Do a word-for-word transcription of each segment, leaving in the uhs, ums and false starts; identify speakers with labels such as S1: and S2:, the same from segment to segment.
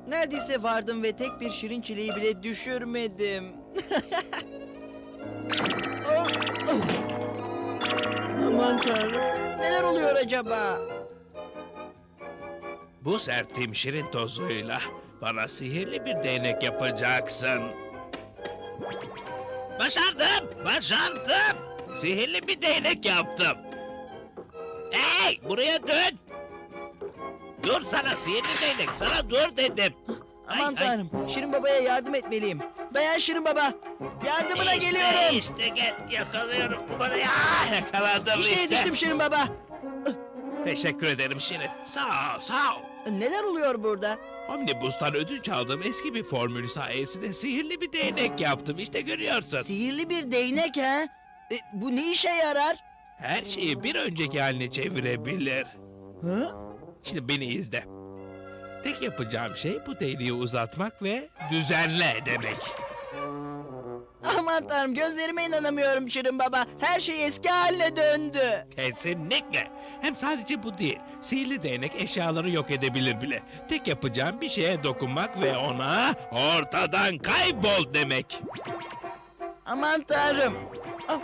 S1: Neredeyse vardım ve tek bir şirin çileği bile düşürmedim. Ah, ah. Aman tanrım. Neler oluyor acaba?
S2: Bu serttiğim şirin tozuyla bana sihirli bir değnek yapacaksın. Başardım, başardım. Sihirli bir değnek yaptım. Hey, buraya dön. Dur sana sihirli değnek, sana dur dedim.
S1: Aman
S2: Ay, ay.
S1: tanrım. Şirin babaya yardım etmeliyim. Dayan Şirin baba. Yardımına
S2: İşte,
S1: geliyorum.
S2: İşte gel, yakalıyorum. Buraya yakaladım
S1: İşte
S2: işte.
S1: yetiştim Şirin baba.
S2: Teşekkür ederim Şirin. Sağ ol, sağ ol.
S1: Neler oluyor burada?
S2: Omnibus'tan ödünç aldığım eski bir formül sayesinde sihirli bir değnek yaptım. İşte görüyorsun.
S1: Sihirli bir değnek ha? E, bu ne işe yarar?
S2: Her şeyi bir önceki haline çevirebilir.
S1: Ha?
S2: Şimdi beni izle. Tek yapacağım şey bu değneği uzatmak ve düzenle demek.
S1: Aman tanrım, gözlerime inanamıyorum Şirin baba. Her şey eski haline döndü.
S2: Kesinlikle. Hem sadece bu değil. Sihirli değnek eşyaları yok edebilir bile. Tek yapacağım bir şeye dokunmak ve ona ortadan kaybol demek.
S1: Aman tanrım. Ah.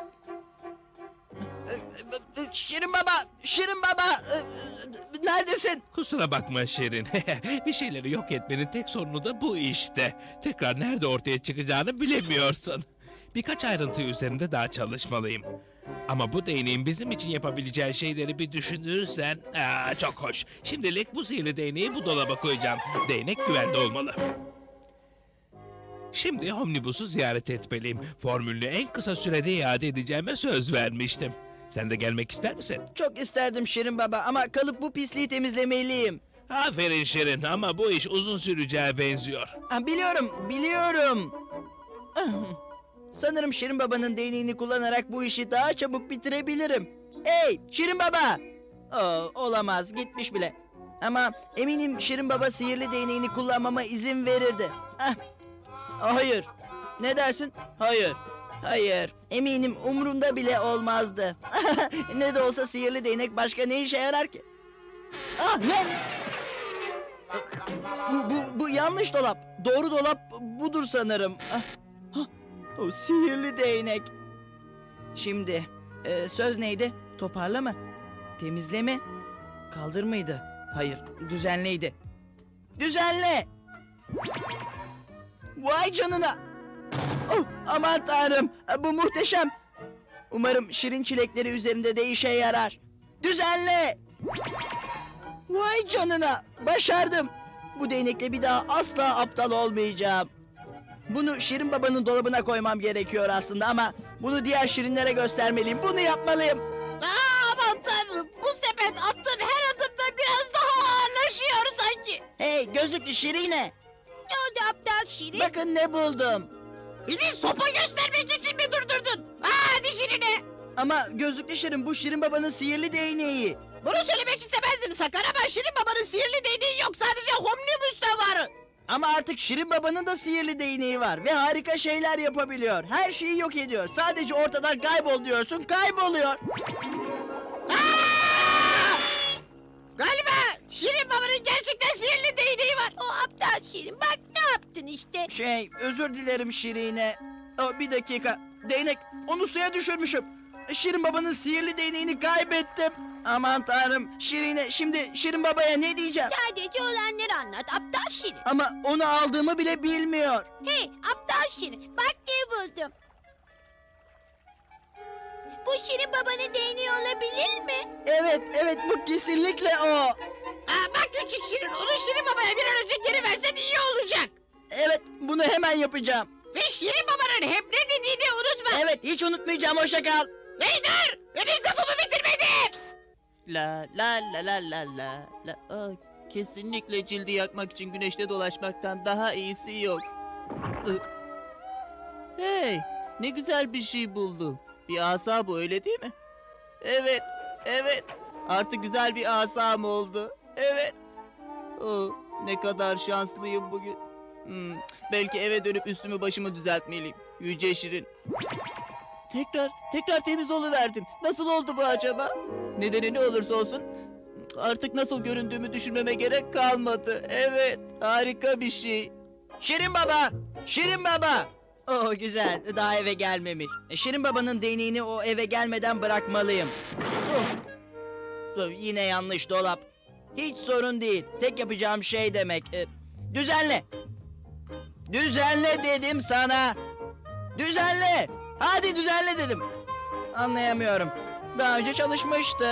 S1: Şirin baba, Şirin baba. Neredesin?
S2: Kusura bakma Şirin. Bir şeyleri yok etmenin tek sorunu da bu işte. Tekrar nerede ortaya çıkacağını bilemiyorsun. Birkaç ayrıntı üzerinde daha çalışmalıyım. Ama bu değneğin bizim için yapabileceği şeyleri bir düşünürsen... Aa, çok hoş. Şimdilik bu sihirli değneği bu dolaba koyacağım. Değnek güvende olmalı. Şimdi Omnibus'u ziyaret etmeliyim. Formülünü en kısa sürede iade edeceğime söz vermiştim. Sen de gelmek ister misin?
S1: Çok isterdim Şirin baba ama kalıp bu pisliği temizlemeliyim.
S2: Aferin Şirin ama bu iş uzun süreceğe benziyor.
S1: Ha, biliyorum, biliyorum. Ah, sanırım Şirin babanın değneğini kullanarak bu işi daha çabuk bitirebilirim. Hey Şirin baba! Oo, olamaz, gitmiş bile. Ama eminim Şirin baba sihirli değneğini kullanmama izin verirdi. Ah, hayır. Ne dersin? Hayır. Hayır. Eminim umrumda bile olmazdı. Ne de olsa sihirli değnek başka ne işe yarar ki? Ah ne? Bu, bu, bu yanlış dolap. Doğru dolap budur sanırım. Ah, ah, o sihirli değnek. Şimdi e, söz neydi? Toparla mı? Temizle mi? Kaldır mıydı? Hayır, düzenleydi. Düzenle! Vay canına! Oh, aman tanrım, bu muhteşem. Umarım şirin çilekleri üzerinde de işe yarar. Düzenle! Vay canına, başardım. Bu değnekle bir daha asla aptal olmayacağım. Bunu Şirin babanın dolabına koymam gerekiyor aslında ama bunu diğer şirinlere göstermeliyim. Bunu yapmalıyım.
S3: Aa, aman tanrım, bu sepet attığım her adımda biraz daha ağırlaşıyor sanki.
S1: Hey gözlüklü şirine,
S3: Ne oldu aptal Şirin?
S1: bakın ne buldum.
S3: Bizi sopa göstermek için mi durdurdun? Hadi Şirin'e.
S1: Ama gözlüklü şirin, bu Şirin babanın sihirli değneği.
S3: Bunu söylemek istemezdim sakar ama Şirin babanın sihirli değneği yok, sadece Omnibus'ta var.
S1: Ama artık Şirin babanın da sihirli değneği var ve harika şeyler yapabiliyor. Her şeyi yok ediyor. Sadece ortadan kaybol diyorsun, kayboluyor.
S3: Aa! Galiba Şirin babanın gerçekten sihirli değneği var. O aptal Şirin, bak ne yaptın işte.
S1: Şey, özür dilerim Şirine. O, bir dakika. Değnek, onu suya düşürmüşüm. Şirin babanın sihirli değneğini kaybettim. Aman tanrım, Şirine, şimdi Şirin babaya ne diyeceğim?
S3: Sadece olanları anlat aptal Şirin.
S1: Ama onu aldığımı bile bilmiyor.
S3: Hey aptal Şirin, bak ne buldum. Bu Şirin babanın değneği olabilir mi?
S1: Evet, evet, bu kesinlikle o.
S3: Aa, bak küçük Şirin, onu Şirin babaya bir an önce geri versen iyi olacak.
S1: Evet, bunu hemen yapacağım.
S3: Ve Şirin babanın hep ne dediğini unutma.
S1: Evet, hiç unutmayacağım, hoşça kal.
S3: Hey dur, henüz lafımı bitirmedim.
S1: La la la la la la la. Aa, kesinlikle cildi yakmak için güneşte dolaşmaktan daha iyisi yok. Ih. Hey, ne güzel bir şey buldum. Bir asa bu, öyle değil mi? Evet, evet. Artık güzel bir asam oldu. Evet. Oh, ne kadar şanslıyım bugün. Hmm, belki eve dönüp üstümü başımı düzeltmeliyim. Yüce Şirin. Tekrar, tekrar temiz oluverdim. Nasıl oldu bu acaba? Nedeni ne olursa olsun Artık nasıl göründüğümü düşünmeme gerek kalmadı. Evet, harika bir şey. Şirin Baba! Şirin Baba! Oh güzel, daha eve gelmemiş. E, Şirin Baba'nın değneğini o eve gelmeden bırakmalıyım. Uh. Dur, yine yanlış dolap. Hiç sorun değil. Tek yapacağım şey demek. E, düzenle. Düzenle dedim sana. Düzenle. Hadi düzenle dedim. Anlayamıyorum. Daha önce çalışmıştı.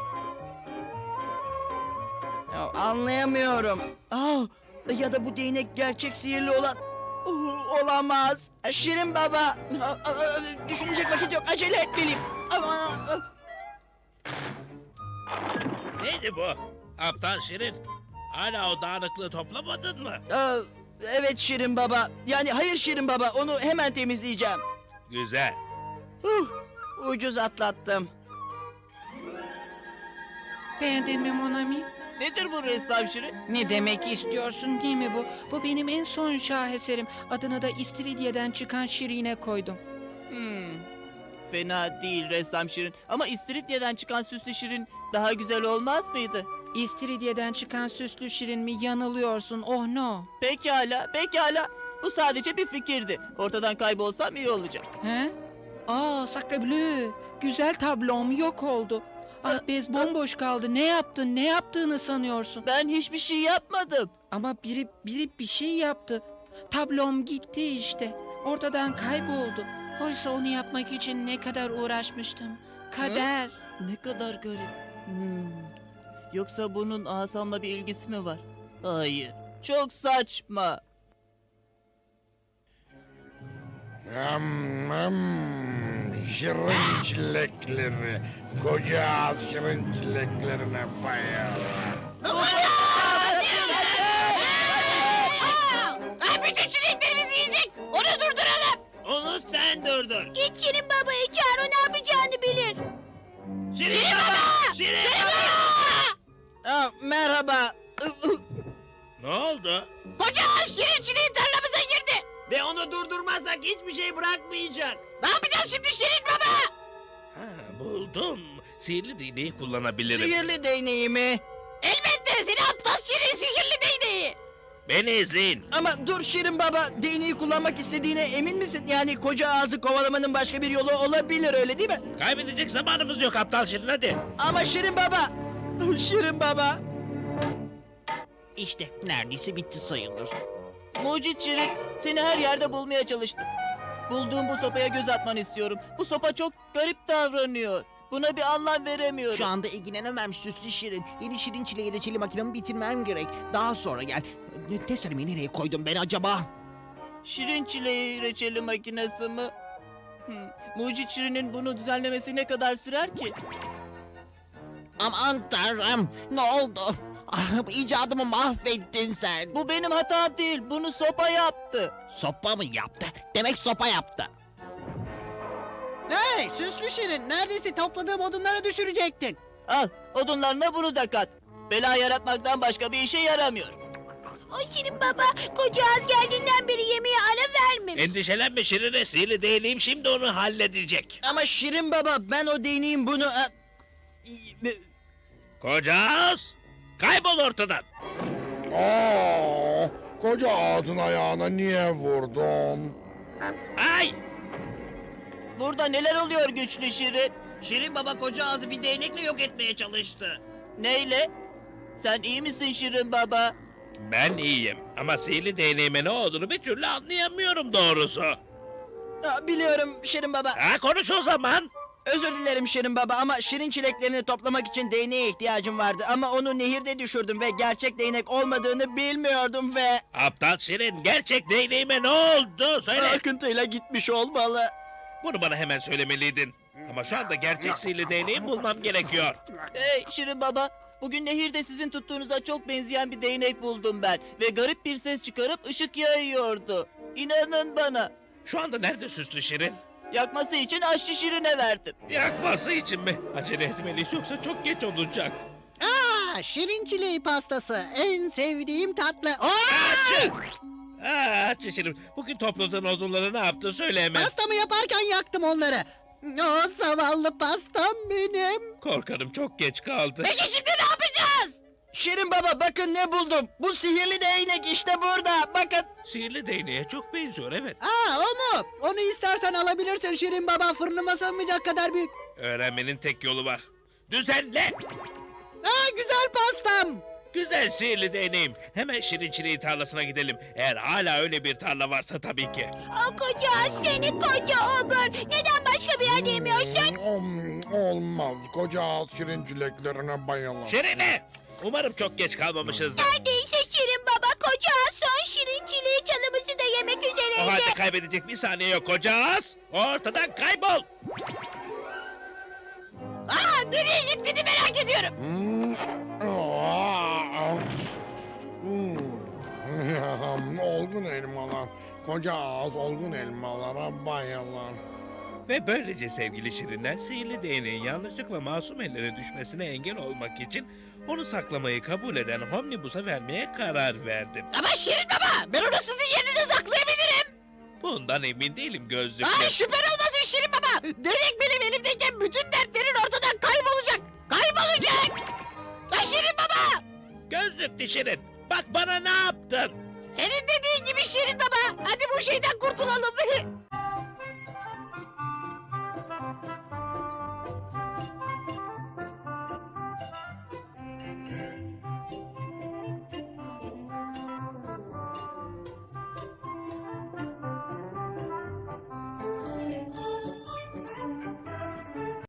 S1: Ya, anlayamıyorum. Aa, ya da bu değnek gerçek sihirli olan... Uh, olamaz. Şirin Baba. Aa, aa, düşünecek vakit yok. Acele etmeliyim. Aman, aa.
S2: Neydi bu? Aptal Şirin. Hala o dağınıklığı toplamadın mı?
S1: Aa, evet Şirin Baba. Yani hayır Şirin Baba. Onu hemen temizleyeceğim.
S2: Güzel.
S1: Huh, ucuz atlattım.
S3: Beğendin mi Monami?
S1: Nedir bu ressam Şirin?
S3: Ne demek istiyorsun değil mi bu? Bu benim en son şaheserim. Adını da İstiridye'den çıkan Şirin'e koydum.
S1: Hmm, fena değil ressam Şirin. Ama İstiridye'den çıkan süslü Şirin daha güzel olmaz mıydı?
S3: İstiridye'den çıkan süslü Şirin mi? Yanılıyorsun. Oh no.
S1: Pekala, pekala. Bu sadece bir fikirdi. Ortadan kaybolsam iyi olacak.
S3: He? Aa, sacre bleu. Güzel tablom yok oldu. Ah bez bomboş kaldı. Ne yaptın? Ne yaptığını sanıyorsun?
S1: Ben hiçbir şey yapmadım.
S3: Ama biri biri bir şey yaptı. Tablom gitti işte. Ortadan kayboldu. Oysa onu yapmak için ne kadar uğraşmıştım. Kader.
S1: Ne kadar garip. Hmm. Yoksa bunun asamla bir ilgisi mi var? Hayır. Çok saçma.
S4: Am, am, şirin çilekleri, koca ağız şirin çileklerine bayılır.
S3: Ah, bütün çileklerimizi yiyecek. Onu durduralım.
S2: Onu sen durdur.
S5: Git Şirin Baba'yı çağır, o ne yapacağını bilir.
S2: Şirin Baba! Şirin Baba!
S1: Aa, merhaba.
S2: Ne oldu?
S3: Koca ağaç Şirin çileğin tarlamıza girdi.
S6: Ve onu durdurmazsak hiçbir şey bırakmayacak.
S3: Ne yapacağız şimdi Şirin Baba?
S2: Ha, buldum. Sihirli değneği kullanabilirim.
S1: Sihirli değneğimi.
S3: Elbette seni aptal Şirin sihirli değneği.
S2: Beni izleyin.
S1: Ama dur Şirin Baba, değneği kullanmak istediğine emin misin? Yani koca ağzı kovalamanın başka bir yolu olabilir, öyle değil mi?
S2: Kaybedecek zamanımız yok aptal Şirin, hadi.
S1: Ama Şirin Baba. Şirin Baba.
S6: İşte neredeyse bitti sayılır.
S1: Mucit Şirin, seni her yerde bulmaya çalıştım. Bulduğum bu sopaya göz atmanı istiyorum. Bu sopa çok garip davranıyor. Buna bir anlam veremiyorum.
S6: Şu anda ilgilenemem süslü şirin. Yeni şirin çileği reçeli makinemi bitirmem gerek. Daha sonra gel. Ne- Testerimi nereye koydum ben acaba?
S1: Şirin çileği reçeli makinesi mi? Hmm. Mucit Şirin'in bunu düzenlemesi ne kadar sürer ki?
S6: Aman tanrım, ne oldu? Ah, icadımı mahvettin sen.
S1: Bu benim hatam değil. Bunu sopa yaptı.
S6: Sopa mı yaptı? Demek sopa yaptı.
S7: Hey süslü şirin, neredeyse topladığım odunları düşürecektin.
S1: Al, odunlarına bunu da kat. Bela yaratmaktan başka bir işe yaramıyor.
S5: O Şirin Baba koca ağız geldiğinden beri yemeğe ara vermemiş.
S2: Endişelenme Şirin'e, sihirli değneğim şimdi onu halledecek.
S1: Ama Şirin Baba, ben o değneğin bunu... e, e,
S2: Koca ağız, kaybol ortadan.
S4: Aa, koca ağzın ayağına niye vurdun?
S2: Ay!
S1: Burada neler oluyor güçlü Şirin?
S6: Şirin baba koca ağzı bir değnekle yok etmeye çalıştı.
S1: Neyle? Sen iyi misin Şirin Baba?
S2: Ben iyiyim ama sihirli değneğime ne olduğunu bir türlü anlayamıyorum doğrusu.
S1: Ha, biliyorum Şirin Baba.
S2: Ha, konuş o zaman.
S1: Özür dilerim Şirin Baba ama şirin çileklerini toplamak için değneğe ihtiyacım vardı. Ama onu nehirde düşürdüm ve gerçek değnek olmadığını bilmiyordum ve...
S2: Aptal Şirin, gerçek değneğime ne oldu? Söyle.
S1: Akıntıyla gitmiş olmalı.
S2: Bunu bana hemen söylemeliydin. Ama şu anda gerçek sihirli değneği bulmam gerekiyor.
S1: Hey Şirin Baba, bugün nehirde sizin tuttuğunuza çok benzeyen bir değnek buldum ben. Ve garip bir ses çıkarıp ışık yayıyordu. İnanın bana.
S2: Şu anda nerede süslü Şirin?
S1: Yakması için aşçı Şirin'e verdim.
S2: Yakması için mi? Acele etmeliyiz yoksa çok geç olacak.
S7: Aa, şirin çileği pastası, en sevdiğim tatlı. Aa!
S2: Açı! Aa, Şirin, bugün topladığın odunları ne yaptın söyle hemen.
S7: Pastamı yaparken yaktım onları. O zavallı pastam benim.
S2: Korkarım çok geç kaldı.
S5: Peki şimdi ne yapacağız?
S1: Şirin Baba bakın ne buldum. Bu sihirli değnek işte burada. Bakın.
S2: Sihirli değneğe çok benziyor, evet.
S7: Aa o mu? Onu istersen alabilirsin Şirin Baba, fırınıma sığmayacak kadar büyük.
S2: Öğrenmenin tek yolu var. Düzenle!
S7: Aa güzel pastam.
S2: Güzel sihirli değneğim. Hemen Şirin Çileği tarlasına gidelim. Eğer hala öyle bir tarla varsa tabii ki.
S5: O koca ağız seni koca obur. Neden başka bir yerde yemiyorsun?
S4: Hmm, olmaz. Koca ağız şirin çileklerine bayılır.
S2: Şirine! Umarım çok geç kalmamışızdır.
S5: Neredeyse Şirin baba koca ağız son şirin çileği çalımızı da yemek
S2: O halde
S5: üzereydi.
S2: kaybedecek bir saniye yok koca ağız. Ortadan kaybol.
S5: Aa, nereye gittiğini merak ediyorum.
S4: Hmm. Aa, hmm. Olgun elmalar. Koca ağız olgun elmalara bayılır.
S2: Ve böylece sevgili Şirinler sihirli değneğin yanlışlıkla masum ellere düşmesine engel olmak için onu saklamayı kabul eden Homnibus'a vermeye karar verdim.
S5: Ama Şirin baba ben onu sizin yerinize saklayabilirim.
S2: Bundan emin değilim gözlüklü.
S5: Aa, şüphen olmasın Şirin baba. Denek benim elimdeyken bütün dertlerin ortadan kaybolacak. Kaybolacak. Ay Şirin baba.
S2: Gözlüklü Şirin, bak bana ne yaptın?
S5: Senin dediğin gibi Şirin baba. Hadi bu şeyden kurtulalım.